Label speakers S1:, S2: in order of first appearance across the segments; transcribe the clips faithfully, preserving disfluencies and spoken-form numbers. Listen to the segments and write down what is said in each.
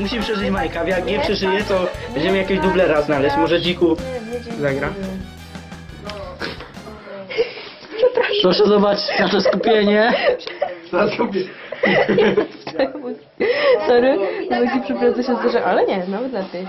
S1: musi przeżyć Majka, jak nie przeżyje, to będziemy jakiegoś dublera znaleźć, może Dziku zagra.
S2: Przepraszam.
S1: Proszę zobaczyć na to skupienie. Na skupienie.
S2: Sorry, taki przepraszam się zdarza, ale nie, nawet lepiej.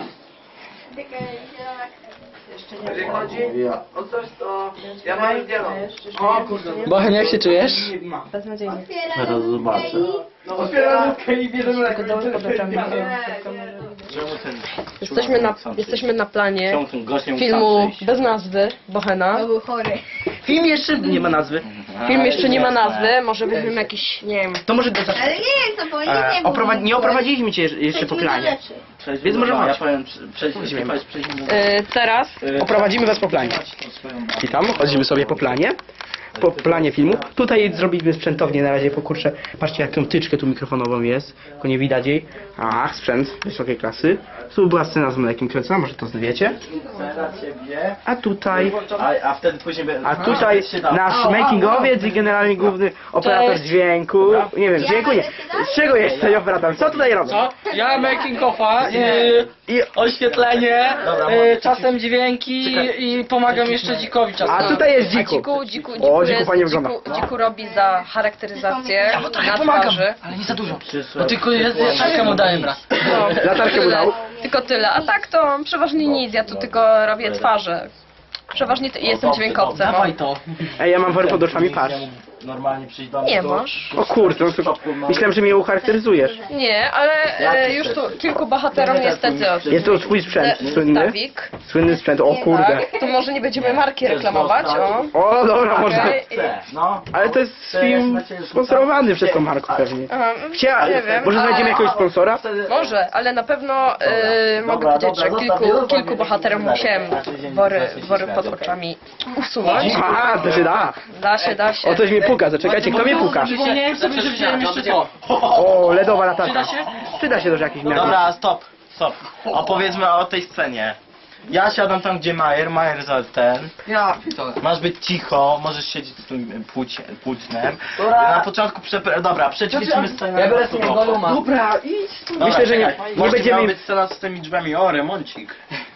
S3: Jeżeli chodzi o coś, to ja mam zielony. O kurde.
S1: Bochen, jak się czujesz?
S2: Beznadziejnie.
S1: Zaraz zobaczę.
S3: No otwieram lutkę i bierzemy lekko.
S2: Doły pod oczami.
S1: Czemu ten...
S2: Jesteśmy na, jesteśmy na planie
S1: Czemu ten gość nie mógł
S2: filmu
S1: sam przyjść?
S2: bez nazwy, Bohena.
S4: był chory.
S1: Film jeszcze nie ma nazwy.
S2: Film jeszcze nie ma nazwy, może weźmiemy jakiś, nie wiem...
S1: To może do
S4: Ale nie wiem co powiedzieć,
S1: E,
S4: nie
S1: oprowadzi- nie oprowadziliśmy cię jeszcze po planie. Więc może
S5: ja
S1: chodź.
S5: powiem, przejdźmy, przejdźmy do...
S2: E, teraz
S1: Oprowadzimy was po planie. I tam chodzimy sobie po planie. Po planie filmu. Tutaj zrobiliśmy sprzętownie na razie, pokurczę. Patrzcie jaką tyczkę tu mikrofonową jest. Tylko nie widać jej. Ach, sprzęt wysokiej klasy. Tu była scena z mlekiem kręcona, może to wiecie. A tutaj...
S5: A, a wtedy później...
S1: A tutaj nasz makingowiec i generalnie główny operator
S2: Cześć.
S1: dźwięku. Nie wiem, dźwięku nie. Z czego jest ten operator? Co tutaj robi?
S6: Co? Ja making offa i,
S1: I,
S6: oświetlenie,
S5: Dobra,
S6: y,
S5: może
S6: czasem dźwięki i pomagam jeszcze Dzikowi czasem.
S1: a tutaj jest
S2: A
S1: dziku.
S2: Dziku, dziku,
S1: O,
S2: dziku,
S1: Dziku
S2: jest,
S1: fajnie wygląda.
S2: dziku, dziku robi za charakteryzację na
S6: Pomagam,
S2: twarzy.
S6: ale nie za dużo. No tylko jest jeszcze mu dałem raz.
S2: No,
S1: Latarkę mu
S2: tyle,
S1: dał.
S2: tylko tyle. A tak to przeważnie nic, ja tu tylko robię twarze. Przeważnie ty, jestem dźwiękowcem.
S6: Dawaj to.
S1: Ej, ja mam worek pod oczami, patrz.
S5: Normalnie przyjść do mnie.
S2: Nie
S5: to-
S2: masz.
S1: O kurde, no to myślałem, że mnie ucharakteryzujesz.
S2: Nie, ale e, już tu kilku bohaterom niestety.
S1: Jest to twój sprzęt
S2: Ste-
S1: słynny.
S2: Stawik.
S1: Słynny sprzęt, o kurde.
S2: Tak, to może nie będziemy marki reklamować, o.
S1: O, dobra, można.
S2: Okej.
S5: No.
S1: Ale to jest film sponsorowany przez tą markę pewnie.
S2: Aha,
S1: Chcia...
S2: nie wiem,
S1: Może
S2: ale-
S1: znajdziemy jakiegoś sponsora?
S2: Może, ale na pewno e, mogę powiedzieć, że kilku, kilku bohaterom musiałem wory, wory pod oczami usunąć.
S1: Aha, to się da.
S2: Da się, da się.
S1: O, coś mnie puka, zaczekajcie, kto mnie puka?
S6: Przypomniałem sobie, że wziąłem jeszcze to.
S1: O, ledowa latarka.
S6: Przyda się?
S1: Przyda się też jakiś miarę.
S5: Dobra, stop, stop. Opowiedzmy o tej scenie. Ja siadam tam, gdzie Majer, Majer za ten.
S6: Ja, to.
S5: Masz być cicho, możesz siedzieć z tym płci, płótnem. Na początku przepra... Dobra, przećwiczmy scenę.
S6: Ja biorę z tego Goluma.
S1: Dobra, idź.
S5: Dobra,
S1: Myślę, że nie,
S5: czekaj.
S1: nie
S5: Właśnie
S1: będziemy...
S5: miała być scena z tymi drzwiami. O, remoncik.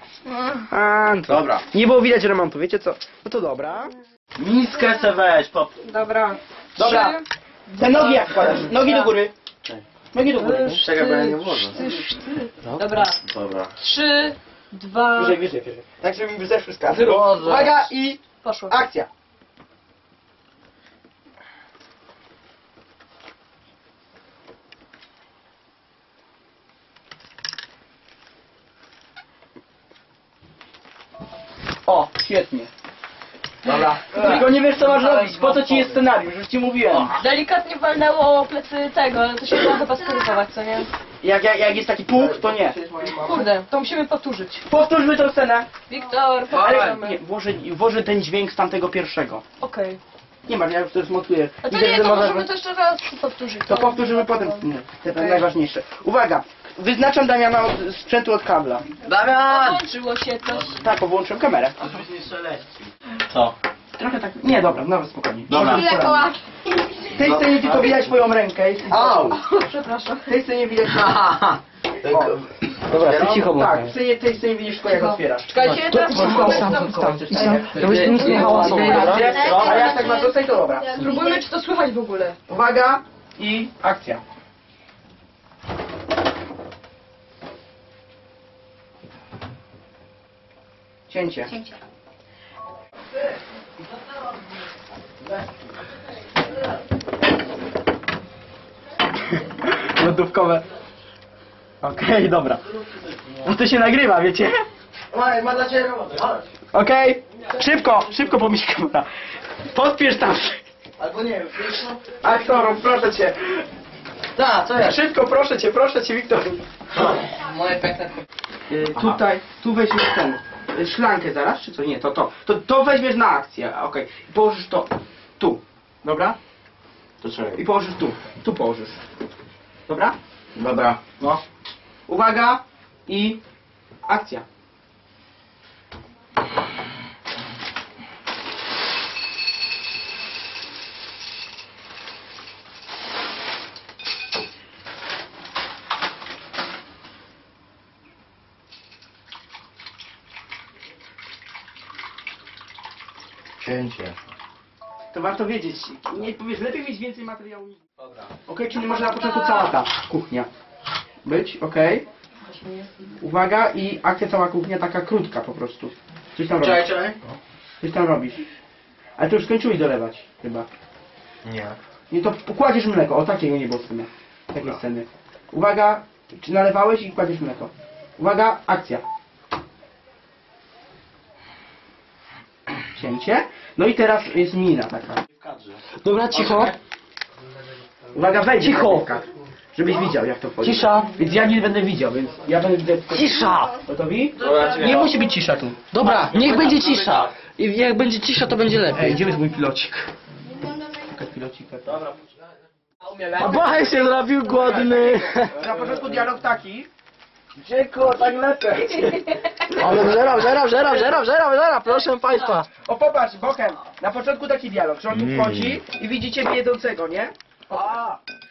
S1: A, to...
S5: Dobra.
S1: Nie było widać remontu, wiecie co? No to dobra.
S5: Miskę se weź, pop.
S2: Dobra.
S1: Dobra. Te nogi jak wkładasz? Nogi do góry. Nogi do góry.
S5: Czekaj, bo ja nie włożę.
S6: Dobra.
S5: Dobra.
S2: Trzy, dwa,
S1: Wyżej, wyżej, wyżej. Tak, żeby mi zeszły z kadru. Uwaga i
S2: poszło.
S1: akcja. O, świetnie.
S5: Dobra.
S1: Tylko nie wiesz co masz robić, po co ci jest scenariusz, już ci mówiłem.
S2: Delikatnie walnęło plecy tego, ale to się da chyba skorygować, co nie?
S1: Jak, jak, jak jest taki pług, to nie.
S2: Kurde, to musimy powtórzyć.
S1: Powtórzmy tę scenę.
S2: Wiktor,
S1: Ale
S2: powtarzamy.
S1: nie, włożę, włożę ten dźwięk z tamtego pierwszego.
S2: Okej.
S1: Nie ma, ja już to zmontuję.
S2: A to
S1: Widzę,
S2: nie,
S1: że
S2: to
S1: może-
S2: możemy to jeszcze raz powtórzyć.
S1: To powtórzymy potem. Nie, te, te najważniejsze. Uwaga! Wyznaczam Damiana od sprzętu od kabla.
S6: Damian!
S2: Włączyło się coś.
S1: Tak, powłączyłem kamerę.
S5: Co?
S1: Trochę tak. Nie, dobra, nawet spokojnie.
S5: Dobra.
S4: Ile koła?
S1: W tej scenie tylko widać twoją rękę.
S5: Au!
S2: Przepraszam.
S1: W tej scenie widać. O,
S5: Dobra, ty cicho
S1: tak, w scenie, tej scenie widzisz tylko jak otwierasz.
S2: Czekajcie, teraz
S1: Żebyś nic nie hałasował, dobra? A jak tak ma zostać, to dobra.
S2: spróbujmy, czy to słychać w ogóle.
S1: Uwaga i akcja. Cięcie.
S4: Cięcie.
S1: Lodówkowe. Okej, dobra. No to się nagrywa, wiecie?
S3: Ma, ma dla ciebie robotę, chodź.
S1: Okej, szybko, szybko pomyśl kamera. Podpisz tam.
S3: Albo nie wiem,
S1: Aktorów, proszę cię.
S3: tak, co jest?
S1: Szybko, proszę cię, proszę cię, Wiktor.
S6: Moje piękne.
S1: Y, tutaj, tu weźmiesz ten, y, szklankę zaraz, czy co? Nie, to to. To, to weźmiesz na akcję, a, okej. I położysz to tu, dobra?
S5: To czekaj.
S1: I położysz tu, tu położysz. Dobra?
S5: Dobra.
S1: No. Uwaga i akcja.
S5: Cięcie.
S1: To warto wiedzieć. Nie powiesz, lepiej mieć więcej materiału niż... Dobra. Okej, czyli może na początku cała ta kuchnia być, okej. Uwaga i akcja cała kuchnia taka krótka po prostu. Coś tam robisz.
S5: czekaj.
S1: Coś tam robisz. Ale to już skończyłeś dolewać chyba.
S5: Nie.
S1: Nie, to kładziesz mleko. O, takiego nie było sceny. Takiej sceny. Uwaga, czy nalewałeś i kładziesz mleko. Uwaga, akcja. Cięcie. No i teraz jest mina taka.
S6: Dobra, cicho.
S1: Uwaga, wejdź cicho! Żebyś widział jak to wchodzi.
S6: Cisza.
S1: Więc ja nie będę widział, więc ja będę widział tylko...
S6: Cisza.
S1: Gotowi? Nie musi być cisza tu.
S6: Dobra, niech będzie cisza. I jak będzie cisza, to będzie lepiej.
S1: Ej, gdzie jest mój pilocik? Taka pilocika. Dobra.
S6: A Bachaj się zrobił głodny.
S1: Na początku dialog taki.
S6: Dziękuję, tak lepiej. Ale żerał, żerał, żerał, żerał, żerał, żerał, proszę państwa.
S1: O, popatrz, bokiem. Na początku taki dialog, że on tu wchodzi i widzi ciebie jedzącego, nie? A,